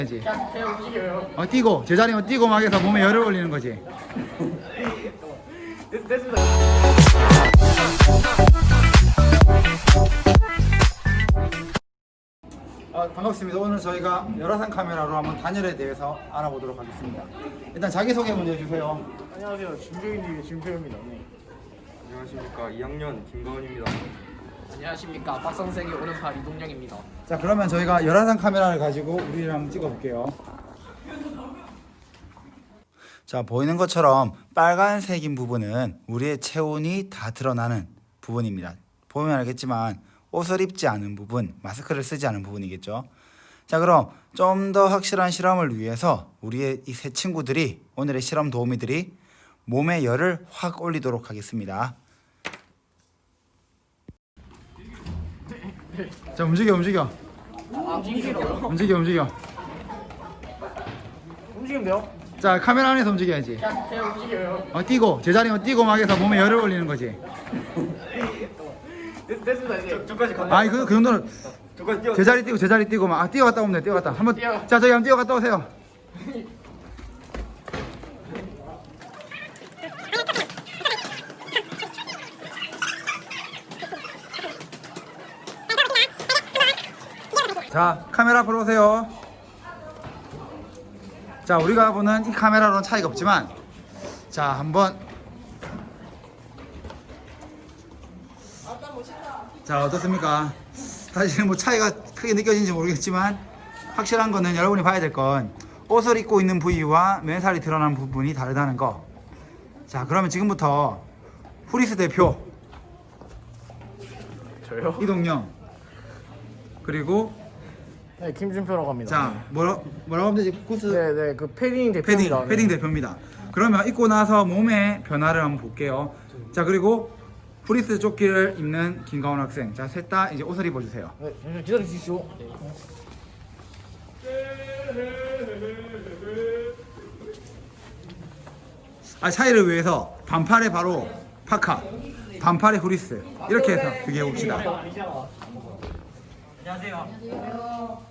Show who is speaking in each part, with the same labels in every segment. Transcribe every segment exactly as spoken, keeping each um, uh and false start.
Speaker 1: 지
Speaker 2: 그냥 움직여요.
Speaker 1: 어, 뛰고 제자리면 뛰고 막 해서 몸에 열을 올리는 거지.
Speaker 2: 됐, 됐습니다.
Speaker 1: 아, 반갑습니다. 오늘 저희가 열화상 카메라로 한번 단열에 대해서 알아보도록 하겠습니다. 일단 자기소개 먼저 해주세요.
Speaker 2: 안녕하세요. 준표입니다. 준표입니다. 네.
Speaker 3: 안녕하십니까. 이 학년 김가은입니다.
Speaker 2: 안녕하십니까. 박선생의 오른팔 이동영입니다.
Speaker 1: 자, 그러면 저희가 열화상 카메라를 가지고 우리를 한번 찍어볼게요. 자, 보이는 것처럼 빨간색인 부분은 우리의 체온이 다 드러나는 부분입니다. 보면 알겠지만 옷을 입지 않은 부분, 마스크를 쓰지 않은 부분이겠죠. 자, 그럼 좀 더 확실한 실험을 위해서 우리의 이 세 친구들이, 오늘의 실험 도우미들이 몸의 열을 확 올리도록 하겠습니다. 자, 움직여 움직여
Speaker 2: 아, 움직이라고요?
Speaker 1: 움직여 움직여.
Speaker 2: 움직이면 돼요?
Speaker 1: 자, 카메라 안에서 움직여야지.
Speaker 2: 그냥, 그냥 움직여요.
Speaker 1: 어, 뛰고 제자리면 뛰고 막 해서 몸에 열을 올리는 거지.
Speaker 2: 됐, 됐습니다. 이제.
Speaker 3: 저까지 갔다.
Speaker 1: 아니 그, 그 정도는
Speaker 3: 저까지 뛰어.
Speaker 1: 제자리 뛰고 제자리 뛰고 막 아, 뛰어갔다 오면 돼. 뛰어갔다 한번.
Speaker 2: 뛰어.
Speaker 1: 자, 저기 한번 뛰어갔다 오세요. 자, 카메라 앞으로 오세요. 자, 우리가 보는 이 카메라로는 차이가 없지만, 자, 한번. 자, 어떻습니까? 사실 뭐 차이가 크게 느껴지는지 모르겠지만 확실한 거는 여러분이 봐야 될 건 옷을 입고 있는 부위와 맨살이 드러나는 부분이 다르다는 거. 자, 그러면 지금부터 후리스 대표
Speaker 2: 저요?
Speaker 1: 이동영, 그리고
Speaker 2: 네, 김준표라고 합니다.
Speaker 1: 자, 뭐라, 뭐라고 하면 되지? 코스
Speaker 2: 네, 네, 그 패딩
Speaker 1: 패딩,
Speaker 2: 대표입니다.
Speaker 1: 패딩
Speaker 2: 네.
Speaker 1: 대표입니다. 그러면 입고 나서 몸의 변화를 한번 볼게요. 자, 그리고 프리스 조끼를 입는 김가원 학생. 자, 셋 다 이제 옷을 입어주세요.
Speaker 2: 네, 잠시만 기다려 주십시오. 네.
Speaker 1: 아, 차이를 위해서 반팔에 바로 파카, 반팔에 후리스 이렇게 해서 비교해 봅시다.
Speaker 2: 안녕하세요.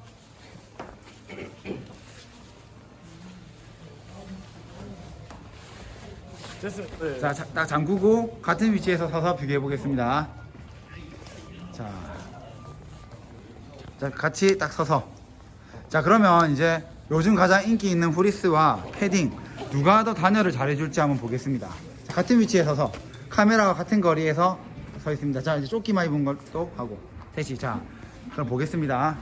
Speaker 2: 됐습니다. 네.
Speaker 1: 자, 자, 딱 잠그고 같은 위치에서 서서 비교해 보겠습니다. 자, 자, 같이 딱 서서. 자, 그러면 이제 요즘 가장 인기 있는 후리스와 패딩 누가 더 단열을 잘해줄지 한번 보겠습니다. 자, 같은 위치에 서서 카메라와 같은 거리에서 서 있습니다. 자, 이제 조끼만 입은 것도 하고 셋이. 자, 그럼 보겠습니다.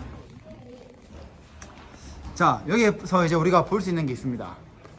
Speaker 1: 자, 여기에서 이제 우리가 볼 수 있는 게 있습니다.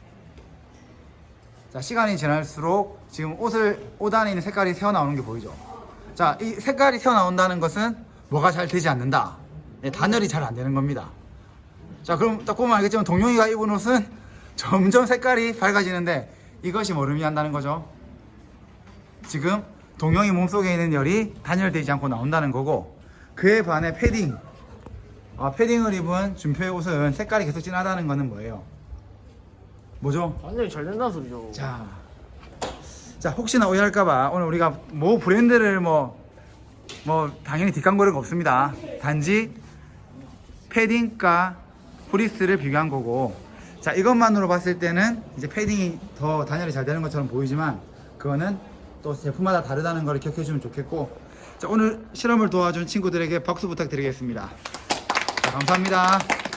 Speaker 1: 자, 시간이 지날수록 지금 옷을, 옷 안에 있는 색깔이 새어나오는 게 보이죠. 자, 이 색깔이 새어나온다는 것은 뭐가 잘 되지 않는다. 네, 단열이 잘 안 되는 겁니다. 자, 그럼 딱 보면 알겠지만 동용이가 입은 옷은 점점 색깔이 밝아지는데 이것이 뭐를 의미한다는 거죠? 지금 동용이 몸속에 있는 열이 단열되지 않고 나온다는 거고, 그에 반해 패딩, 아, 패딩을 입은 준표의 옷은 색깔이 계속 진하다는 거는 뭐예요? 뭐죠?
Speaker 2: 완전히 잘 된다는 소리죠.
Speaker 1: 자, 자, 혹시나 오해할까봐 오늘 우리가 뭐 브랜드를 뭐, 뭐 당연히 뒷광고는 없습니다. 단지 패딩과 후리스를 비교한 거고, 자, 이것만으로 봤을 때는 이제 패딩이 더 단열이 잘 되는 것처럼 보이지만 그거는 또 제품마다 다르다는 걸 기억해 주면 좋겠고, 자, 오늘 실험을 도와준 친구들에게 박수 부탁드리겠습니다. 자, 감사합니다.